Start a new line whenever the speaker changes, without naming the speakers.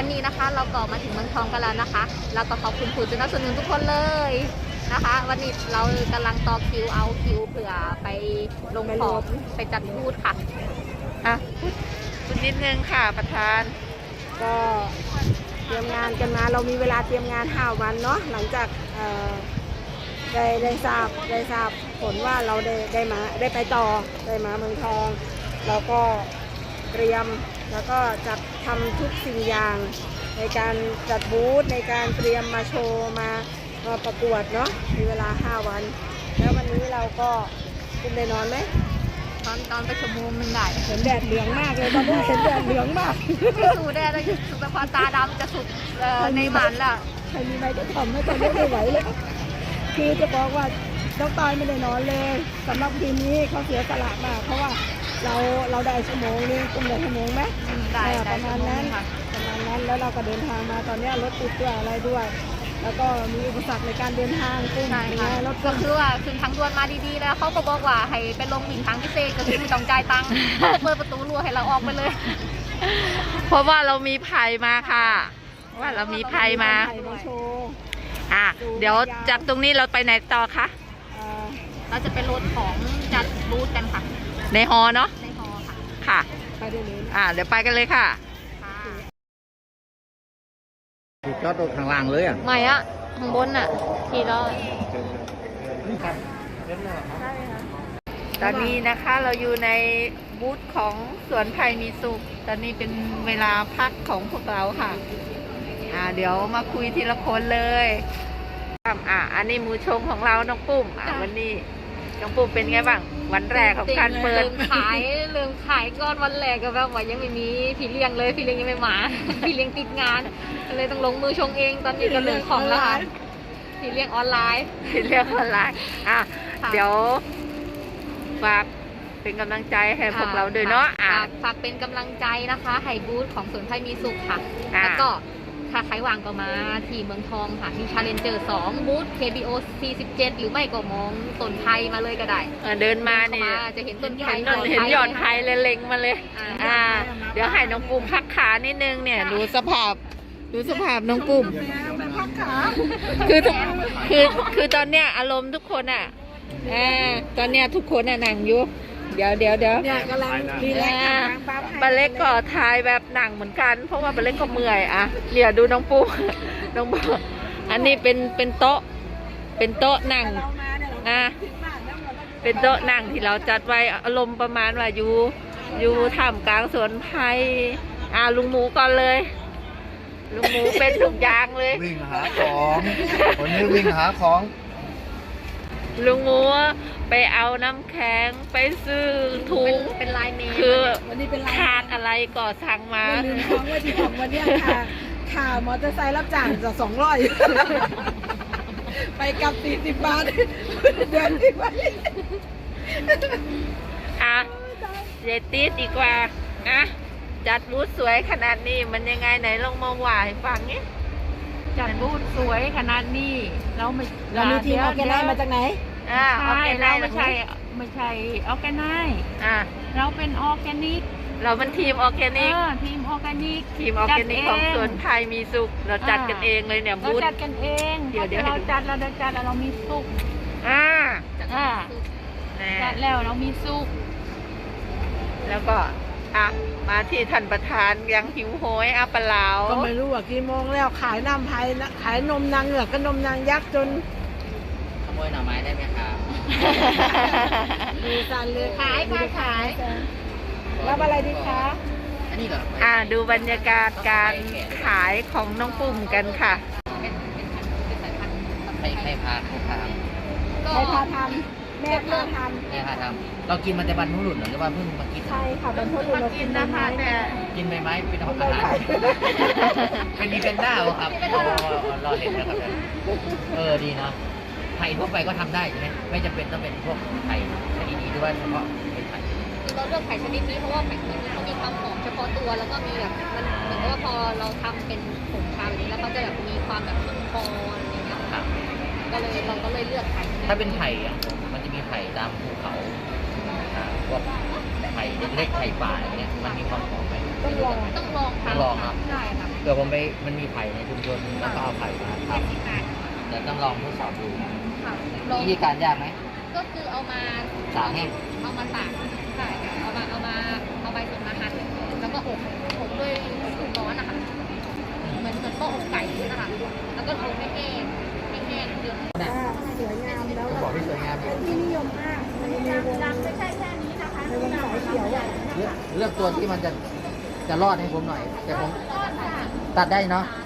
วันนี้นะคะเราก็มาถึงเมืองทองกันแล้วนะคะแล้วก็ขอบคุณผู้สนับสนุนทุกคนเลยนะคะวันนี้เรากำลังต่อคิวเอาคิวเผื่อไปลงของไปจัดบูธค่ะ
พูดนิดนึงค่ะประธาน
ก็เตรียมงานกันมาเรามีเวลาเตรียมงาน5 วันเนาะหลังจากได้ทราบผลว่าเราได้ไปต่อได้มาเมืองทองเราก็เตรียมแล้วก็จัดทำทุกสิ่งอย่างในการจัดบูธในการเตรียมมาโชว์มาประกวดเนาะมีเวลา5 วันแล้ววันนี้เราก็คุณได้นอนไหม
ตอนไปชั่วโมงนึงได้
เห็นแดดเหลืองมากเลยตอนนี้เห็นแดดเหลืองมาก
สู้แดดเลยสุดความตาดำจะสุดในมันละ
ใครมีไม้ก็ทำให้ตอนนี้ไม่ไหวเลยคือจะบอกว่าน้องตายไม่ได้นอนเลยสำหรับทีมนี้เขาเสียสละมากเพราะว่าเราได้ชั่วโมงนึงคุณได้ชั่วโมงไหม
ได้
ประมาณนั้นแล้วเราก็เดินทางมาตอนนี้รถติดด้วยอะไรด้วยแล้วก็มีอุปสรรคในการเดินทางกุ้ง
รถก็คือว่าขึ้นทางด่วนมาดีๆแล้วเขาก็บอกว่าให้ไปลงหมิ่นทางพิเศษก็คือไม่ต้องจ่ายตังค์เปิดประตูรั้วให้เราออกไปเลย
เพราะว่าเรามีไผ่มาค่ะว่าเรามีไผ่มาเดี๋ยวจากตรงนี้เราไปไหนต่อคะ
เราจะไปรถของจัดบูธกันค่ะ
ในฮอเนาะ
ในฮอค่ะ
ค่ะ
ไปเดี๋ยวนี้
เดี๋ยวไปกันเลยค่ะ
ที่จอดรถข้างล่างเลย
ไม่ข้างบนทีละ
ตอนนี้นะคะเราอยู่ในบูธของสวนไผ่มีสุขตอนนี้เป็นเวลาพักของพวกเราค่ะเดี๋ยวมาคุยทีละคนเลยอันนี้มือชงของเราน้องปุ้มวันนี้น้องปุ้มเป็นไงบ้างวันแรกของการเปิด
ลืมขายก้อนวันแรกก็แบบว่ายังไม่มีพี่เลี้ยงเลยพี่เลี้ยงยังไม่มาพี่เลี้ยงติดงานเลยต้องลงมือชงเองตอนนี้ก็เรื่องของแล้วค่ะพี่เลี้ยงออนไลน์
เดี๋ยวฝากเป็นกำลังใจให้พวกเราด้วยเนาะ
ฝากเป็นกำลังใจนะคะให้บูธของสวนไผ่มีสุขค่ะแล้วก็ถ้าใครวางก็มาที่เมืองทองค่ะที่ชาเลนเจอร์2บูธ KBO 47หรือไม่ก็มองต้นไผ่มาเลยก็ได้
เดินมาเนี่ย
จะเห็นต้นไผ่
เห็นยอดไผ่เลยเล็งมาเลยเดี๋ยวให้น้องปุ้มพักขานิดนึงเนี่ยดูสภาพน้องปุ้มคือตอนเนี้ยอารมณ์ทุกคนตอนเนี้ยทุกคนนั่งอยู่เดี๋ยว
กำลังดีแล้ว
ปลาเล็กก็ทายแบบหนังเหมือนกันเพราะว่าปลาเล็กก็เมื่อยเดี๋ยวดูน้องปูอันนี้เป็นโต๊ะหนังเป็นโต๊ะหนังที่เราจัดไว้อารมณ์ประมาณว่าอยู่ท่ามกลางสวนไผ่ลุงหมูก่อนเลยลุงหมูเป็นทุกอย่างเลย
วิ่งหาของคนนี้วิ่งหาของ
ลุงหมูไปเอาน้ำแข็งไปซื้อถุง
เป็นลายเมล์
คือขาดอะไรก็สั่งมา
ลืมของว่าที่ของวันนี้ค่ะมอเตอร์ไซค์รับจ้างจะ200ไปกลับ40 บาทเดือนที่ไป
เจตีดีกว่าจัดบูธสวยขนาดนี้มันยังไงไหนลองมาว่าให้ฟังนี้
จัดบูธสวยขนาดนี้เรา
มีทีมออร์แกไนซ์มาจากไหน
เราไม่ใช่ออร์แกไนซ์เราเป็นออร์แกนิก
เราเป็นทีมออร์แกนิก
ทีมออร์แกนิก
ของสวนไผ่มีสุขเราจัดกันเองเลยเนี่ยบูธ
จัดกันเองเดี๋ยวเราจัดเรามีสุขจัดแล้วเรามีสุข
แล้วก็มาที่ท่านประธานยังหิวโหยปลา
ก็ไม่รู้ว่ากี่โมงแล้วขายน้ำไผ่ขายนมนางเหงือกกับนมนางยักษ์จน
ขโมยหน่อไม้ได้ไหมครับ
มีสั่นเลย
ขาย
รับอะไรดีคะ
อันนี้เหรอ
ดูบรรยากาศการขายของน้องปุ่มกันค่ะ
ใครพาเขาทำ
ใครพาทำแม่พาท
ำเรากินมันจะบรรพุรุษหรือว่าเพิ่งมากิน
ใช่ค่ะบรรพุรุษเรา
กินนะคะแต่
กินใบไม้เป็นอาหารเป็นมีเป็นหน้าครับเราเห็นนะครับดีเนาะไผ่ทั่วไปก็ทำได้ใช่ไหมไม่จำเป็นต้องเป็นพวกไผ่ชนิดนี้ด้วยเฉพาะเป็นไผ่
คือเราเลือกไผ่ชนิดนี้เพราะว่าไผ่ชนิดนี้เขามีความหอมเฉพาะตัวแล้วก็มีแบบมันเหมือนว่าพอเราทำเป็นผงชาแบบนี้แล้วเขาจะแบบมีความแบบมันคออะไรอย่างเงี้ยเราก็เลยเลือกไผ่
ถ้าเป็นไผ่มันจะมีไผ่ตามภูเขาพวกไผ่เล็กๆไผ่ป่าอย่างเงี้ยมันมีความหอมไหม
ต้องลอง
ครับ
ใช่ค่ะ
เผื่อผมไปมันมีไผ่ในชุมชนแล้วก็เอาไผ่มาทำเดี๋ยวต้องลองทดสอบดู
ค่ะลอง
วิธีการยากไหม
ก็คือเอามา
ตากแห้ง
เอามาตากใช่ค่ะเอาใบสนมาหั่นแล้วก็อบด้วยความร้อนนะคะเหมือนโต๊ะอบไก่นะคะแล้วก็อบให้แห้งเดือด
สวยงามแล้ว
ต้องบอกที่สวยงาม
เป็นที่นิยมมากในวงไม่ใช่แค่นี้นะคะในวงสายเขียวอ่ะ
เลือกตัวที่มันจะรอดให้ผมหน่อย แต่ผมตัดได้เนาะ
ไ